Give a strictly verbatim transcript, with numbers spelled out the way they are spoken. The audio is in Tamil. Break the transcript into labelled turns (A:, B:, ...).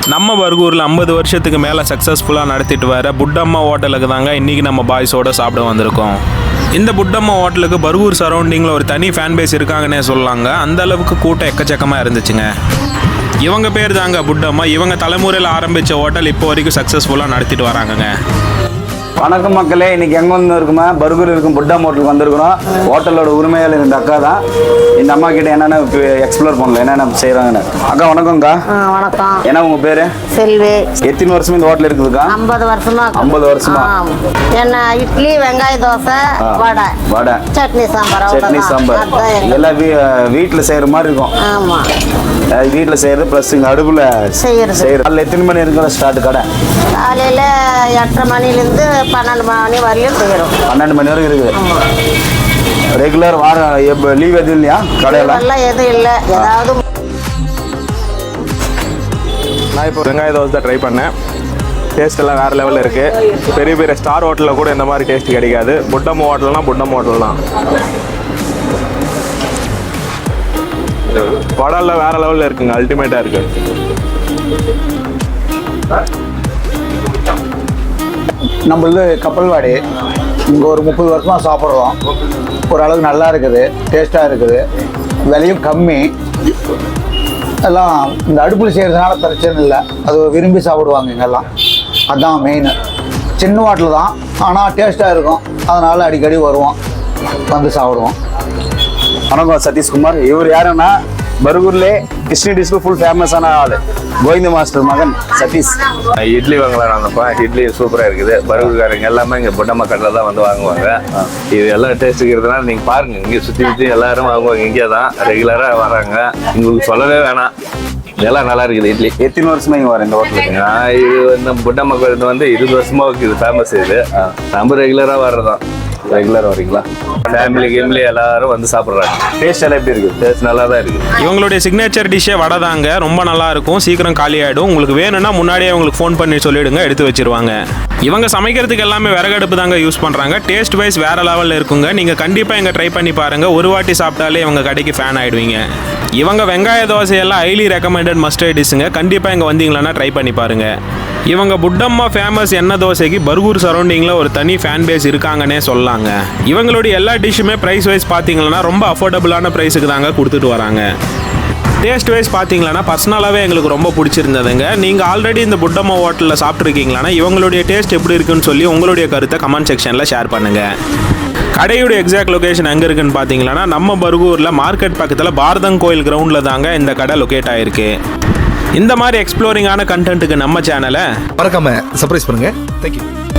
A: நம்ம பர்கூரில் ஐம்பது வருஷத்துக்கு மேலே சக்ஸஸ்ஃபுல்லாக நடத்திட்டு வர புட்டம்மா ஹோட்டலுக்கு தாங்க இன்றைக்கி நம்ம பாய்ஸோடு சாப்பிட வந்திருக்கோம். இந்த புட்டம்மா ஹோட்டலுக்கு பர்கூர் சரௌண்டிங்கில் ஒரு தனி ஃபேன் பேஸ் இருக்காங்கன்னே சொல்லலாங்க. அந்த அளவுக்கு கூட்டம் எக்கச்சக்கமாக இருந்துச்சுங்க. இவங்க பேர் தாங்க புட்டம்மா. இவங்க தலைமுறையில் ஆரம்பித்த ஹோட்டல் இப்போ வரைக்கும் சக்ஸஸ்ஃபுல்லாக நடத்திட்டு வராங்கங்க.
B: வணக்கம் மக்களே, இன்னைக்கு எங்கே வந்து இருக்குமா பர்கூர் இருக்கும் புட்டம்மா ஹோட்டலுக்கு வந்திருக்கிறோம். ஹோட்டலோட உரிமையாளர் இந்த அக்கா தான். இந்த அம்மா கிட்ட என்னென்ன எக்ஸ்ப்ளோர் பண்ணல, என்னென்ன செய்கிறாங்கன்னு. அக்கா வணக்கம்க்கா.
C: வணக்கம்.
B: என்ன உங்க பேரு?
C: செல்வி.
B: எத்தனை வருஷமா இந்த ஹோட்டல் இருக்குதுக்கா?
C: ஐம்பது வருஷமா.
B: ஐம்பது வருஷமா.
C: என்ன இட்லி, வெங்காய தோசை, வடை,
B: வடை,
C: சட்னி சாம்பார்.
B: சட்னி சாம்பார் எல்லாம் வீட்டில் செய்கிற மாதிரி இருக்கும்.
C: ஆமா,
B: வீட்டில் செய்கிறது ப்ளஸ் இங்கே அடுப்பில்
C: செய்யறது.
B: செய்யறது. அதில் எத்தனை மணி இருக்கிற ஸ்டார்ட் கடை?
C: காலையில் எட்டரை மணிலேருந்து பன்னெண்டு மணி வரையும் செய்கிறோம்.
B: பன்னெண்டு மணி வரைக்கும் இருக்குது. ரெகுலர் வாரம் எப்போ லீவ் எதுவும் இல்லையா கடையில்?
C: எல்லாம் எதுவும் இல்லை. ஏதாவது
A: நான் இப்போ வெங்காய தோசை தான் ட்ரை பண்ணேன். டேஸ்ட் எல்லாம் வேறு லெவலில் இருக்குது. பெரிய பெரிய ஸ்டார் ஹோட்டலில் கூட இந்த மாதிரி டேஸ்ட் கிடைக்காது. புட்டம்மா ஹோட்டல்னால் புட்டம்மா ஹோட்டல் தான். வடலில் வேறு லெவலில் இருக்குங்க. அல்டிமேட்டாக இருக்குது.
D: நம்மளது கப்பல்வாடி. இங்கே ஒரு முப்பது வருஷமாக சாப்பிட்றோம். ஓரளவுக்கு நல்லா இருக்குது, டேஸ்ட்டாக இருக்குது, விலையும் கம்மி. எல்லாம் இந்த அடுப்பில் செய்கிறதுனால பிரச்சனை இல்லை. அது விரும்பி சாப்பிடுவாங்க இங்கெல்லாம். அதுதான் மெயின். சின்ன ஹோட்டல் தான், ஆனால் டேஸ்ட்டாக இருக்கும். அதனால் அடிக்கடி வருவோம், வந்து சாப்பிடுவோம்.
B: வணக்கம் சதீஷ்குமார். இவர் யாருன்னா பர்கூர்லே கிருஷ்ணி டிஷ்க்கு ஃபுல் ஃபேமஸான ஆள், கோவிந்த மாஸ்டர் மகன் சதீஷ்.
E: இட்லி வாங்கலாம் வந்தப்பா. இட்லி சூப்பராக இருக்குது. பர்கூர்காரங்க எல்லாமே இங்கே புட்டம்மா கடையில் தான் வந்து வாங்குவாங்க. இது எல்லாம் டேஸ்ட் இருக்கிறதுனால நீங்கள் பாருங்கள், இங்கே சுற்றி சுற்றி எல்லாரும் வாங்குவாங்க. இங்கே தான் ரெகுலராக வராங்க. உங்களுக்கு சொல்லவே வேணாம், எல்லாம் நல்லா இருக்குது. இட்லி
B: எத்தனை வருஷமா இங்கே வரேன் இந்த ஹோட்டலுக்கு?
E: நான் இது இந்த புட்டம்மா கோயில் வந்து இருபது வருஷமா இது ஃபேமஸ். இது நம்ம ரெகுலராக வர்றதான். ரெகுலர் வரீங்களா? ஃபேமிலி கேம்லி எல்லாரும் வந்து சாப்பிட்றாங்க.
B: டேஸ்ட் எல்லாம் எப்படி இருக்குது?
E: டேஸ்ட் நல்லா தான் இருக்குது.
A: இவங்களுடைய சிக்னேச்சர் டிஷ்ஷே வடை தாங்க. ரொம்ப நல்லா இருக்கும். சீக்கிரம் காலி ஆகிடும். உங்களுக்கு வேணும்னா முன்னாடியே உங்களுக்கு ஃபோன் பண்ணி சொல்லிவிடுங்க, எடுத்து வச்சிருவாங்க. இவங்க சமைக்கிறதுக்கு எல்லாமே விறகடுப்பு தாங்க யூஸ் பண்ணுறாங்க. டேஸ்ட் வைஸ் வேறு லெவலில் இருக்குங்க. நீங்கள் கண்டிப்பாக இங்கே ட்ரை பண்ணி பாருங்கள். ஒரு வாட்டி சாப்பிட்டாலே இவங்க கடைக்கு ஃபேன் ஆகிடுவீங்க. இவங்க வெங்காய தோசையெல்லாம் ஹைலி ரெக்கமெண்டட் மஸ்டர்ட் டிஷ்ஷுங்க. கண்டிப்பாக இங்கே வந்தீங்களன்னா ட்ரை பண்ணி பாருங்கள். இவங்க புட்டம்மா ஃபேமஸ் எண்ணெய் தோசைக்கு பர்கூர் சரௌண்டிங்கில் ஒரு தனி ஃபேன் பேஸ் இருக்காங்கன்னே சொல்லலாங்க. இவங்களுடைய எல்லா டிஷ்ஷுமே ப்ரைஸ் வைஸ் பார்த்தீங்கன்னா ரொம்ப அஃபோர்டபுளான ப்ரைஸுக்கு தாங்க கொடுத்துட்டு வராங்க. டேஸ்ட் வைஸ் பார்த்தீங்களன்னா பர்சனலாகவே எங்களுக்கு ரொம்ப பிடிச்சிருந்ததுங்க. நீங்கள் ஆல்ரெடி இந்த புட்டம்மா ஹோட்டலில் சாப்பிட்ருக்கீங்களான்னா இவங்களுடைய டேஸ்ட் எப்படி இருக்குன்னு சொல்லி உங்களுடைய கருத்தை கமெண்ட் செக்ஷனில் ஷேர் பண்ணுங்கள். கடையோட எக்ஸாக்ட் லொகேஷன் எங்கே இருக்குன்னு பார்த்தீங்கன்னா நம்ம பர்கூரில் மார்க்கெட் பக்கத்தில் பாரதங் கோயில் கிரவுண்டில் தாங்க இந்த கடை லொக்கேட் ஆகிருக்கு. இந்த மாதிரி எக்ஸ்ப்ளோரிங்கான கண்டென்ட்டுக்கு நம்ம சேனலை
F: மறக்காம சர்ப்ரைஸ் பண்ணுங்க. தேங்க்யூ.